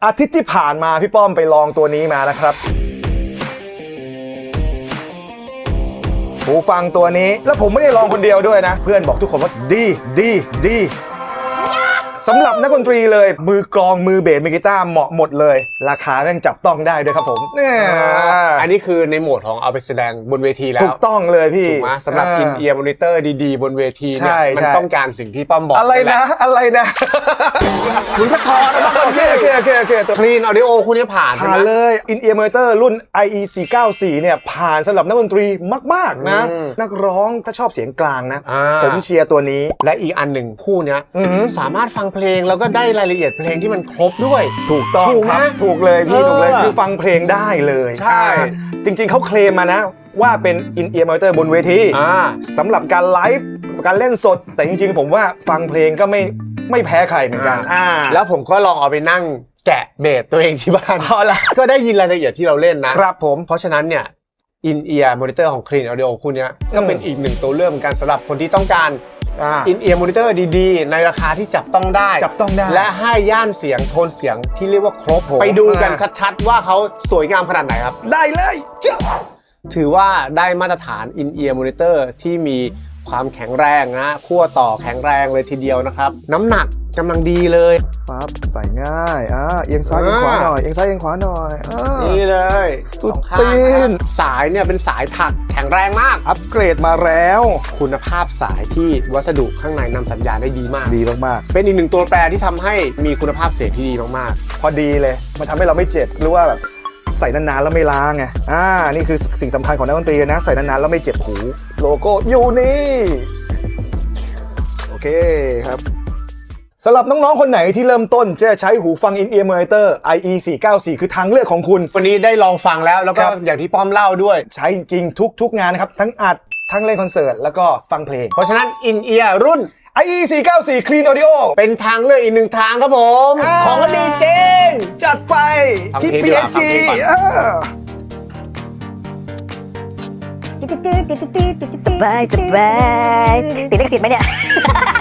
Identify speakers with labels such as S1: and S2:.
S1: อาทิตย์ที่ผ่านมาพี่ป้อมไปลองตัวนี้มานะครับหูฟังตัวนี้แล้วผมไม่ได้ลองคนเดียวด้วยนะเพื่อนบอกทุกคนว่าดีสำหรับนักดนตรีเลยมือกลองมือเบสมือกีตาร์เหมาะหมดเลยราคาแม่งจับต้องได้ด้วยครับผม
S2: อันนี้คือในโหมดของเอาไปแสดงบนเวทีแล้ว
S1: ถูกต้องเลยพี่
S2: ถูกไหมสำหรับอินเอียร์มอนิเตอร์ดีๆบนเวทีเนี่ยมันต้องการสิ่งที่ป้อมบอก
S1: อะไรนะ
S2: คุณก็ทอนะ
S1: โอเค
S2: คลีนออดิโอคุณนี่ผ่าน
S1: เลยอินเอียร์มอนิเตอร์รุ่น IE494 เนี่ยผ่านสำหรับนักดนตรีมากๆนะนักร้องถ้าชอบเสียงกลางนะผมเชียร์ตัวนี้
S2: และอีกอันหนึ่งคู่เนี้ยสามารถฟังเพลงแล้วก็ได้รายละเอียดเพลงที่มันครบด้วย
S1: ถูกต้องครับถูกเลยพี่ถูกเลยคือฟังเพลงได้เลย
S2: ใช่
S1: จริงๆเขาเคลมมานะว่าเป็นอินเอียร์มอนิเตอร์บนเวทีสำหรับการไลฟ์การเล่นสดแต่จริงๆผมว่าฟังเพลงก็ไม่แพ้ใครเหมือนกัน
S2: แล้วผมก็ลองเอาไปนั่งแกะเบสตัวเองที่บ้านก็ได้ยินรายละเอียดที่เราเล่นนะครับ
S1: ผม
S2: เพราะฉะนั้นเนี่ยอินเอียร์มอนิเตอร์ของ Clean Audio คู่นี้ก็เป็นอีกหนึ่งตัวเลือกเหมือนกันสำหรับคนที่ต้องการอินเอียร์มอนิเตอร์ดีๆในราคาที่จับต้องได้และให้ย่านเสียงโทนเสียงที่เรียกว่าครบไปดูกันชัดๆว่าเขาสวยงามขนาดไหนครับ
S1: ได้เลย
S2: ถือว่าได้มาตรฐานอินเอียร์มอนิเตอร์ที่มีความแข็งแรงนะขั้วต่อแข็งแรงเลยทีเดียวนะครับน้ำหนักกำลังดีเลย
S1: ปั๊บใส่ง่ายเอียงซ้ายเอียงขวาหน่อยเอียงซ้ายเอียงขวาหน่อย
S2: นี่เลย
S1: สุดตีน
S2: สายเนี่ยเป็นสายถักแข็งแรงมาก
S1: อัปเกรดมาแล้ว
S2: คุณภาพสายที่วัสดุข้างในนำสัญญาณได้ดีมากเป็นอีกหนึ่งตัวแปรที่ทำให้มีคุณภาพเสียงที่ดีมาก
S1: ๆพอดีเลยมันทำให้เราไม่เจ็บหรือว่าแบบใส่นานๆแล้วไม่ล้างไงนี่คือสิ่งสำคัญของนักดนตรีนะใส่นานๆแล้วไม่เจ็บหูโลโก้อยู่นี่โอเคครับสำหรับน้องๆคนไหนที่เริ่มต้นจะใช้หูฟัง In-ear monitor IE494 คือทางเลือกของคุณ
S2: วันนี้ได้ลองฟังแล้วก็อย่างที่ป้อมเล่าด้วย
S1: ใช้จริงทุกงานนะครับทั้งอัดทั้งเล่นคอนเสิร์ตแล้วก็ฟังเพลง
S2: เพราะฉะนั้น In-ear รุ่น
S1: IE494 Clean Audio
S2: เป็นทางเลือกอีกหนึ่งทางครับผมของก็ดีจริง
S1: จัดไปที่ PSG
S3: สบายติดลิขสิทธิ์ไหมเนี่ย